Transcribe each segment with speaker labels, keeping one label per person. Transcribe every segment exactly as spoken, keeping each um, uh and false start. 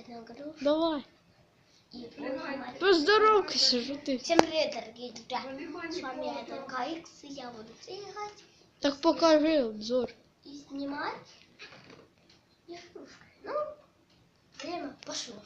Speaker 1: нагрузку.
Speaker 2: Давай.
Speaker 1: И будем...
Speaker 2: Поздоровайся, что ты.
Speaker 1: Всем привет, дорогие друзья. С вами это КаИкс, и я буду играть.
Speaker 2: Так покажи обзор.
Speaker 1: И снимать игрушкой. Ну, время пошло.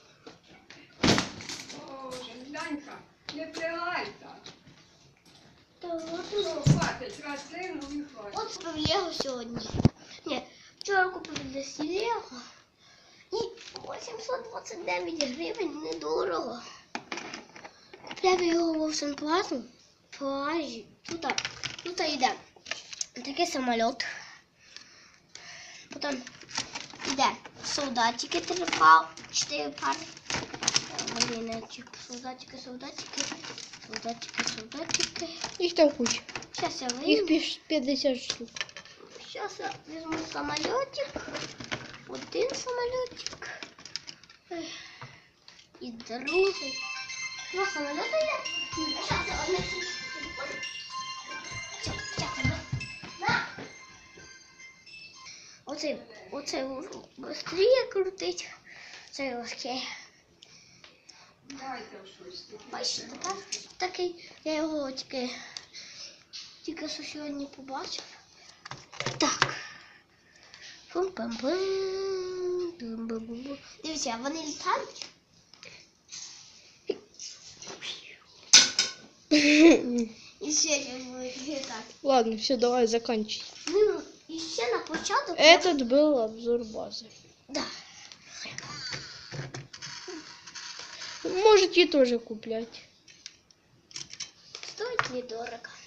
Speaker 3: Боже, Данька, не пригайся.
Speaker 1: Та от
Speaker 3: Ну, хватить, рослину і хватить.
Speaker 1: От купив Лего сьогодні. Ні, вчора купив десь Лего. І вісімсот двадцять дев'ять гривень недорого. Купляв його в Овсенплазу. Плажі. Тут, тут йде такий самоліт. Потім йде солдатики, три пари, чотири пари. Бліночек, солдатики, солдатики, солдатики, солдатики.
Speaker 2: Их там куча.
Speaker 1: Сейчас я
Speaker 2: Их
Speaker 1: выйду.
Speaker 2: пишет пятьдесят штук.
Speaker 1: Сейчас я возьму самолетик. Один самолетик. И другой. Два самолета я. Сейчас я возьму телефон. Сейчас, на. На. Оце, оце быстрее крутить. Це легке.
Speaker 3: Дайте щось.
Speaker 1: Бачите, так? Такий, я його тільки, тільки що сьогодні побачив. Так. Пум-пам-пам. Пум-пам-пам. Дивіться, вони літають. І ще не будуть літати.
Speaker 2: Ладно, все, давай заканчивай.
Speaker 1: Ну, і ще на початок.
Speaker 2: Этот был обзор базы.
Speaker 1: Да.
Speaker 2: Можете тоже куплять.
Speaker 1: Стоїть недорого.